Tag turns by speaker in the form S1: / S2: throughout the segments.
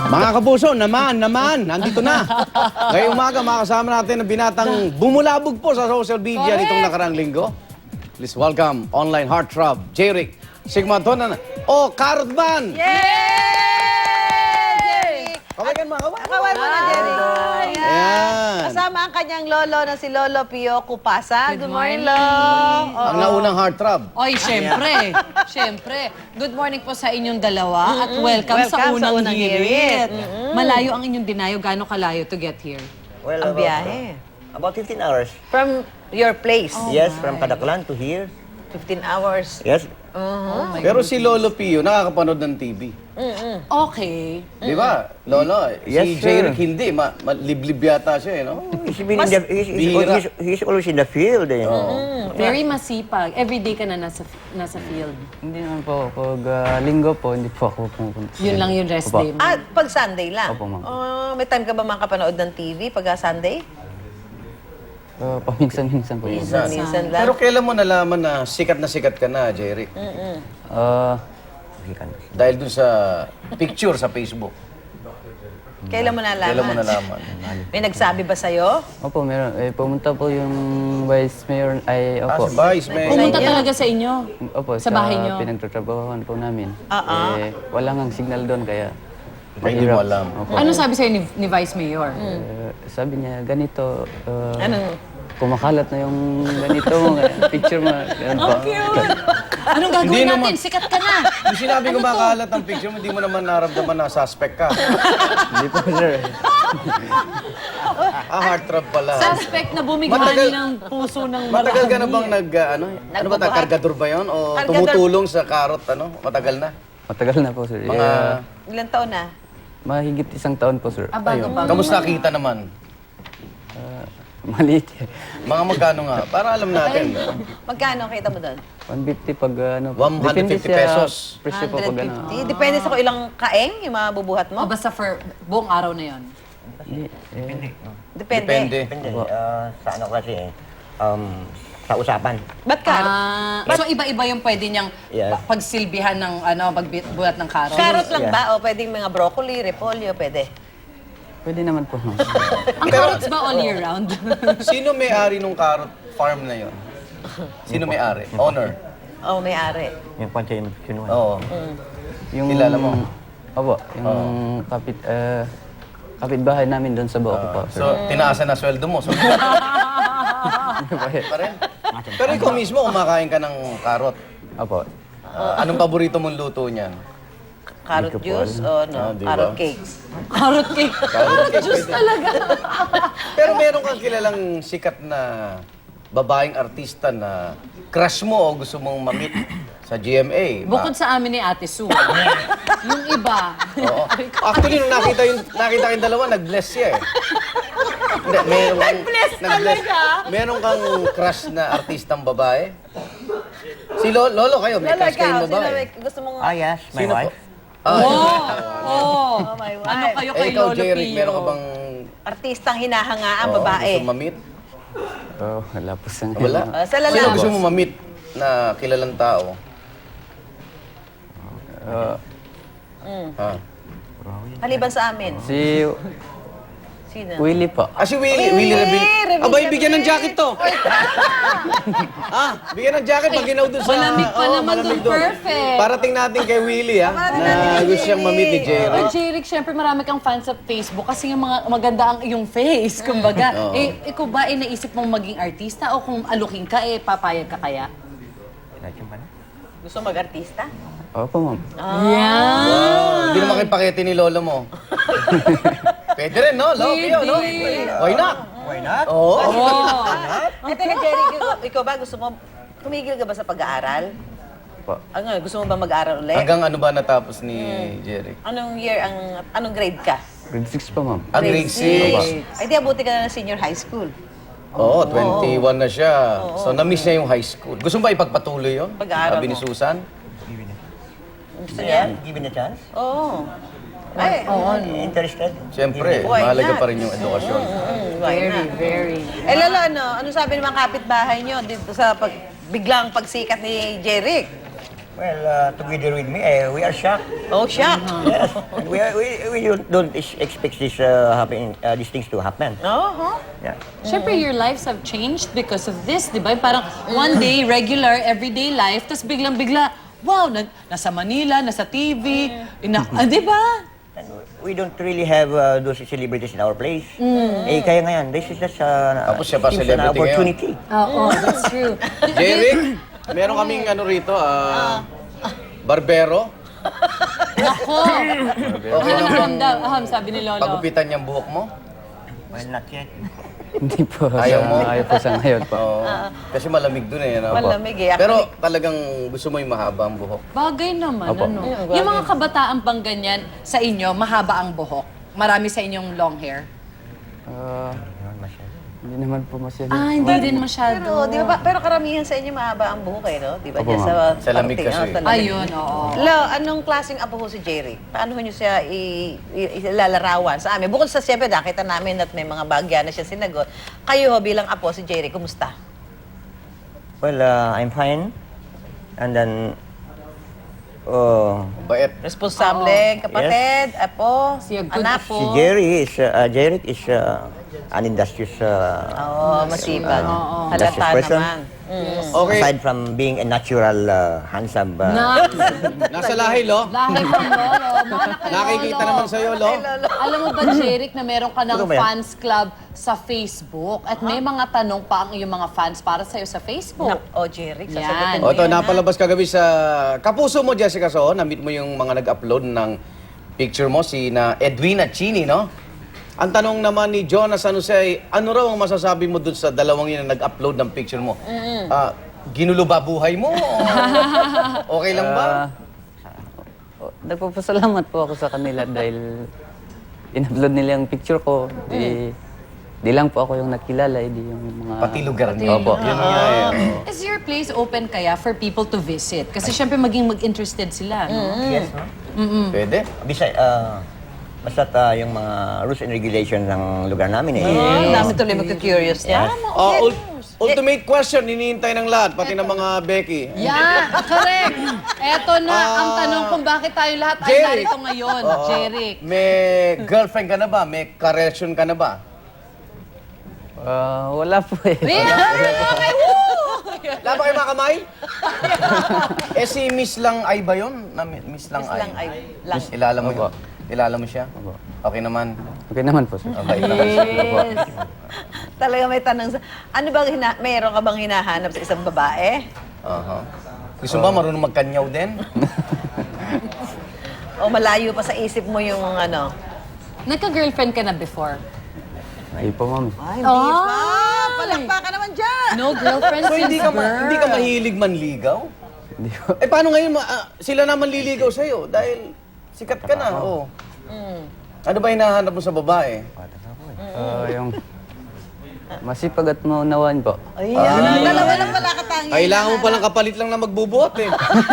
S1: Mga kapuso, naman, nandito na. Ngayong umaga, makasama natin ang binatang bumulabog po sa social media nitong nakarang linggo. Please welcome, online heartthrob, J-Rick, Sigma Tonan, o Carrot Man.
S2: Yay!
S1: Kawagan mga kawan.
S2: Kawan mo na, Jerry.
S1: Ayan.
S2: Kasama ang kanyang lolo na si Lolo Pio Kupasa. Good morning, Lo.
S1: Ang naunang heartthrob.
S3: Oy, syempre. Syempre. Good morning po sa inyong dalawa at welcome sa unang hirit. Malayo ang inyong dinayo. Gaano kalayo to get here?
S4: Well,
S2: Ang biyahe.
S4: About 15 hours.
S2: From your place.
S4: Yes, from Kadaklan to here.
S2: 15 hours.
S4: Yes.
S1: Pero si Lolo Pio, nakakapanood ng TV.
S3: Okay.
S1: Di ba, Lolo?
S4: Yes,
S1: Si
S4: sir.
S1: J-Rick hindi, liblib yata siya, eh, no?
S4: He's always in the field. Eh.
S3: Very masipag. Everyday ka na nasa field.
S5: Hindi naman po. Pag linggo po, hindi po ako pumupunta.
S3: Yun lang yung rest day mo.
S2: At pag Sunday lang?
S5: Opo, ma'am.
S2: May time ka ba makapanood ng TV pag Sunday?
S5: Paminsan-minsan po yun.
S2: Minsan lang.
S1: Pero kailan mo nalaman na sikat ka na, J-Rick? Dahil dun sa picture sa Facebook.
S2: Kailan mo nalaman?
S1: Kailan mo nalaman?
S2: May nagsabi ba sa'yo?
S5: Opo, meron. Pumunta po yung vice mayor.
S1: Ah,
S5: Opo.
S1: si Vice, may...
S3: Pumunta talaga sa inyo.
S5: Opo,
S3: Sa bahay niyo.
S5: pinagtatrabahoan po namin. Wala ngang signal doon, kaya...
S1: Ay, hindi mo
S5: mahirap.
S1: alam.
S5: Opo.
S3: Ano sabi sa'yo ni Vice Mayor?
S5: Sabi niya, ganito.
S2: Anong?
S5: Kumakalat na yung ganito, picture mo. Ganun po.
S3: Anong
S1: Hindi
S3: gagawin
S1: naman.
S3: natin? Sikat ka na!
S1: Yung sinabi ko makalat ang picture mo, hindi mo naman naramdaman na suspect ka.
S5: Hindi po, sir.
S1: Heartthrob pala.
S3: Suspect na bumighani
S1: Matagal-
S3: ng puso ng marami.
S1: Matagal ka na bang ano ba,
S2: Nagbubuhat?
S1: kargador ba yun? O
S2: Kargador.
S1: tumutulong sa karot, Matagal na?
S5: Matagal na po, sir.
S1: Mga...
S2: Ilang taon na?
S5: Mahigit 1 taon po, sir.
S3: Bago-bago.
S1: Kamusta kita naman?
S5: Maliit eh.
S1: Mga magkano nga? Para alam natin.
S2: Magkano kita mo doon?
S5: 150 pag ano.
S1: 150
S5: depende sa
S1: pesos.
S5: presyo po pag ano.
S2: 150? Depende sa kung ilang kaeng yung mga bubuhat
S3: O
S2: mo?
S3: basta for buong araw na yon.
S5: Hindi,
S2: Depende.
S1: Depende.
S4: Depende. Sa ano kasi eh. Sa usapan.
S2: Ba't ka?
S3: So iba-iba yung pwede niyang
S4: Yes.
S3: pagsilbihan ng pagbuhat ng karot.
S2: Carrot lang
S4: Yeah.
S2: ba? O pwedeng mga broccoli, repolyo, pwede?
S5: pwede naman po.
S3: Ang carrots ba all year round?
S1: Sino may-ari nung karot farm na yon? Sino may-ari? Owner?
S2: O, may-ari.
S4: Yung kwansa yung kinuha.
S1: Oo.
S5: Yung,
S1: Kilala mo?
S5: Opo, yung kapitbahay namin doon sa Baoko po.
S1: So, tinaasan na sweldo mo. So, pa rin. Pero ikaw mismo, kumakain ka ng karot.
S5: Opo.
S1: Anong paborito mong luto niyan?
S2: Carrot
S5: Hindi ko po
S2: juice
S5: alam.
S2: o no?
S1: Di
S2: Carrot
S1: ba?
S2: cakes.
S3: Carrot cake.
S1: Carrot cake,
S3: Juice
S1: pwede.
S3: talaga.
S1: Pero meron kang kilalang sikat na babaeng artista na crush mo o gusto mong mamit sa GMA.
S3: Bukod sa amin ni Ate Sue. Yung iba.
S1: Oo. Actually, nung nakita kayong dalawa, nag-bless siya eh. Hindi, nag-bless talaga? Meron kang crush na artistang babae? Si Lolo kayo, may
S2: Lala
S1: crush kayong
S2: ka, sino
S1: babae?
S2: may gusto mong...
S4: Yes, my
S1: Sino po?
S4: wife.
S3: Oh,
S2: Oh, my wife.
S3: ano kayo kay
S1: Ikaw,
S3: Lolo
S1: J-Rick,
S3: Pio?
S1: meron ka bang
S2: Artistang hinahangaan, babae.
S1: gusto mamit?
S5: Wala po sa
S1: Wala?
S2: Sa lalaki.
S1: Sino gusto mo mamit na kilalang tao? Ha?
S2: Maliban sa amin.
S5: Si
S2: Sino?
S5: Willie po.
S1: Si Willie. Willie Rebel. Abay, bigyan ng jacket to. Bigyan ng jacket pag ginaw dun sa...
S3: Malamig pa
S1: Oo,
S3: naman
S1: malamig
S3: dun.
S1: dun.
S3: Perfect.
S1: Parating natin kay Willie, na gusto siyang mamit ni Jerry.
S3: Oh, J-Rick, syempre marami kang fans sa Facebook kasi yung mga maganda ang iyong face, kumbaga. Ikaw ba naisip mong maging artista o kung aluking ka, papayag ka kaya?
S2: Gusto mag-artista?
S5: Opo, ma'am.
S3: Yeah!
S1: Wow, hindi naman kayo pakete ni lolo mo. Pwede rin, no? Lopio, no? Why not?
S4: Why not?
S1: Oo.
S2: Eh, teka, Jerry, ikaw ba gusto mo... Tumigil ka ba sa pag-aaral?
S5: Opo.
S2: Ano, gusto mo ba mag-aaral ulit?
S1: Hanggang ano ba natapos ni Jerry?
S2: Anong year, anong grade ka?
S5: Grade 6 pa, ma'am.
S1: Grade 6.
S2: Ay, di abuti ka na ng senior high school.
S1: Oo, 21 na siya. So, na-miss niya yung high school. Gusto mo ba ipagpatuloy yun?
S2: Pag-aaral
S1: Sabi ni
S2: mo.
S1: Susan?
S2: Gusto niya?
S4: Given a chance?
S2: Oo. Ay,
S4: Interested?
S1: Siyempre,
S2: Why
S1: mahalaga
S2: not?
S1: pa rin yung edukasyon.
S2: why
S3: Very,
S2: not?
S3: very.
S2: Eh, lalo, ano sabi ng mga kapitbahay nyo dito sa biglang pagsikat ni Jeric?
S4: Well, together with me, we are shocked.
S2: Oh, shock.
S4: Yes. We don't expect this these things to happen.
S2: Oh,
S4: Yeah.
S3: Siyempre, your lives have changed because of this, di ba? Parang one day, regular, everyday life, tapos biglang-bigla, wow, nasa Manila, nasa TV, di ba?
S4: And we don't really have those celebrities in our place. Eh, kaya ngayon, this is just
S1: Tapos siya pa
S4: seems
S1: celebrity
S4: an opportunity.
S3: Oo, that's true.
S1: Jeric, meron kaming ano rito, barbero.
S3: Ako!
S1: Okay lang bang
S3: Sabi ni Lolo.
S1: pagupitan niyang buhok mo?
S4: Well, not yet.
S5: Hindi po.
S1: Ayaw mo?
S5: Ayaw po sa ngayon po.
S1: Oo. Kasi malamig dun eh. Ano?
S2: Malamig eh.
S1: Pero talagang gusto mo yung mahaba ang buhok.
S3: Bagay naman,
S5: Opo.
S3: ano? Yung mga kabataan pang ganyan, sa inyo, mahaba ang buhok. Marami sa inyong long hair.
S5: Ah, hindi naman po masyado.
S3: Hindi din masyado.
S2: pero, di ba, pero karamihan sa inyo mahaba ang buhok eh, no? Di ba?
S5: Opo,
S2: Diyan
S1: Sa lamig
S2: parting,
S1: kasi.
S2: sa lamig.
S3: Ayun, oo.
S2: Lo, anong klaseng apo ho si Jerry? Paano ho niyo siya ilalarawan sa amin? Bukod sa siyempre, nakita namin at may mga bagya na siya sinagot. Kayo ho bilang apo si Jerry, kumusta?
S4: Well, I'm fine. And then,
S1: Bait.
S2: Responsable, kapatid, apo,
S3: Si a good
S2: anak.
S3: apo.
S4: si Jeric is an industrious
S2: Oo, masipag. Halata
S4: Industrious person.
S2: naman.
S1: Okay.
S4: Aside from being a natural, handsome,
S1: Nasa lahi, lo.
S3: Lahi ko, Lolo. Mana kay
S1: Nakikita
S3: Lolo.
S1: naman sa'yo, lo.
S3: Alam mo ba, Jeric, na meron ka ng
S4: Ano ba yan?
S3: fans club sa Facebook at may mga tanong pa ang iyong mga fans para sa'yo sa Facebook.
S2: O, Jerry,
S3: Yan.
S2: sasagutin
S1: O
S2: mo
S1: ito,
S2: yan, ha?
S1: napalabas kagabi sa Kapuso mo, Jessica So. Na-meet mo yung mga nag-upload ng picture mo, si na Edwina Chini, no? Ang tanong naman ni Jonas San Jose, ano raw ang masasabi mo dun sa dalawang yun na nag-upload ng picture mo? Ginulo ba buhay mo? Okay lang ba?
S5: Nagpapasalamat po ako sa kanila dahil in-upload nila yung picture ko. Di lang po ako yung nakilala, di yung mga...
S1: Pati lugar niyo.
S5: Opo.
S1: Yun nga eh.
S3: Is your place open kaya for people to visit? Kasi syempre maging mag-interested sila. No?
S4: yes, no?
S1: Pwede?
S4: Basta't yung mga rules and regulations ng lugar namin
S2: Ang dami tuloy magka-curious niya.
S1: Ultimate question, hinihintay ng lahat, pati ng mga Becky.
S3: Yan, correct. Eto na ang tanong kung bakit tayo lahat ay
S1: Jeric.
S3: narito ngayon, Jeric.
S1: May girlfriend ka na ba? May karelasyon ka na ba?
S5: Wala po eh.
S3: Okay, woo!
S1: Wala ba kayo mga kamay? Si Miss Lang Ay ba yun? Miss Lang Ay.
S2: Lang ay lang.
S1: Miss, ilala mo
S5: Opo.
S1: yun? Ilala mo siya?
S5: Opo.
S1: Okay naman.
S5: Okay naman po, sir.
S1: Okay naman siya.
S3: Yes.
S2: Talaga may tanong sa... Ano bang mayroon ka bang hinahanap sa isang babae?
S1: Gusto mo ba marunong magkanyaw din?
S2: O malayo pa sa isip mo yung ano?
S3: Nagka-girlfriend ka na before?
S5: Ay po, ma'am.
S2: Ay, hindi pa! Palakpakan naman dyan!
S3: No girlfriend
S1: So
S3: since
S1: hindi ka,
S3: birth?
S1: hindi ka mahilig manligaw?
S5: Hindi po.
S1: Eh paano ngayon sila naman liligaw sa'yo? Dahil sikat ka na. Oh. Ano ba hinahanap mo sa babae?
S5: Yung masipag at maunawaan po.
S2: Ayan, dalawa lang pala katangian.
S1: Kailangan mo palang kapalit lang na magbubuhat eh.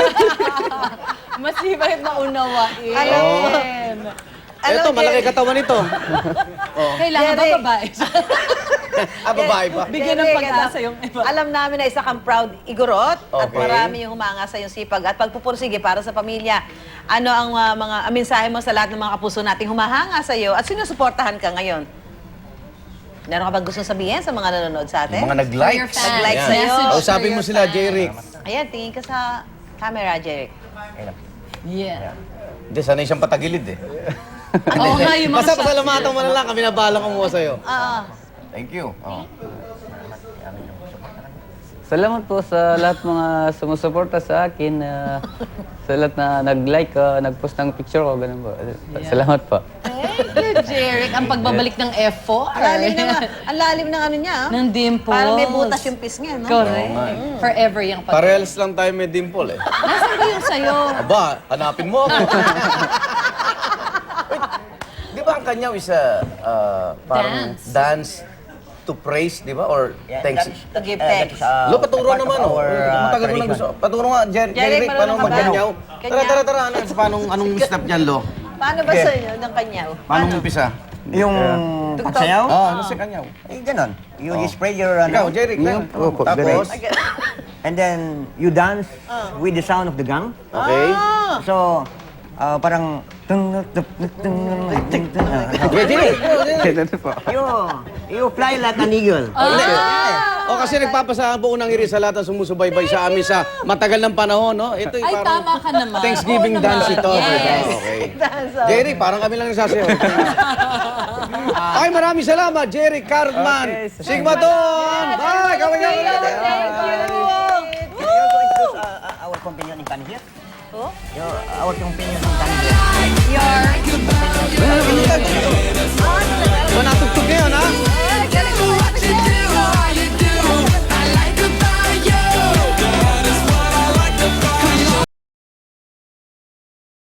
S3: Masibay na unawain.
S1: Eto, malaki katawan nito.
S3: Kailangan ba
S2: Jeric.
S3: babae?
S1: Babae pa.
S3: Bigyan ng
S2: Jeric,
S3: pag-asa
S2: ano,
S3: yung iba.
S2: Alam namin na isa kang proud igorot at
S1: Okay.
S2: marami yung humanga sa iyong sipag at pagpupursige para sa pamilya. Ano ang mga mensahe mo sa lahat ng mga kapuso nating humahanga sa iyo at sinusuportahan ka ngayon? Meron ka bang gusto sabihin sa mga nanonood sa atin?
S1: Yung mga nag-like.
S3: For your fans.
S2: Nag-like
S1: Yan.
S2: sa'yo.
S3: Message
S1: Kausapin
S3: for
S1: mo
S3: your
S1: sila,
S3: fans.
S1: Jeric.
S2: Ayan, tingin ka sa camera, Jeric.
S3: Yeah.
S1: Hindi, sanay siyang patagilid eh.
S3: Oo nga, yung mga
S1: Basta pasalamatan mo na lang, kami nabala ko mo sa'yo.
S2: Oo.
S1: Thank you.
S5: Salamat po sa lahat mga sumusuporta sa akin. Sa lahat na nag-like, nag-post ng picture ko, ganun po. Salamat po.
S3: Thank you, Jeric. Ang pagbabalik ng F4.
S2: Ang lalim ng, ang lalim ng ano niya.
S3: Ng dimples.
S2: Parang may butas yung pis niya, no?
S3: Correct. Forever yung pag-
S1: Parehas lang tayo may dimple eh.
S3: Nasaan ba yung sa'yo?
S1: Aba, hanapin mo ako. Wait, di ba ang kanyaw is parang dance to praise, di ba? Or thanks.
S2: To give thanks.
S1: Lo, paturo naman, oh. Matagal mo na gusto. Paturo nga, Jeric, paano
S2: marunong ka ba?
S1: magkanyaw? Tara,
S2: Kanyaw.
S1: Ano, anong step niyan, Lo?
S2: Paano ba sa inyo ng kanyaw?
S1: Paano umpisa?
S4: Yung pagsayaw?
S1: Ano si kanyaw?
S4: Eh, ganon. You spray your,
S1: Ikaw, Jeric,
S5: Yung-
S1: lang.
S5: Opo,
S1: Tapos,
S4: And then you dance with the sound of the gong.
S1: Okay.
S4: So, parang...
S1: Okay, Jerry.
S5: Ganun po.
S4: You fly like an eagle.
S1: O kasi nagpapasa ang buong nangyari sa lahat ng sumusubaybay sa amin sa matagal ng panahon, no? Ito
S3: Ay, tama ka naman.
S1: Thanksgiving
S3: Oo
S1: dance
S3: naman.
S1: ito.
S3: Yes.
S1: Diba? Okay.
S2: Dance,
S1: Jerry, parang kami lang nagsasayaw. Ay, maraming salamat, Jerry Cartman.
S5: Okay,
S1: Sigma Don! Bye! Kawin
S2: Thank you.
S4: Can you also introduce our companion in Tangier?
S2: Oh?
S4: Our companion in Tangier.
S2: Your...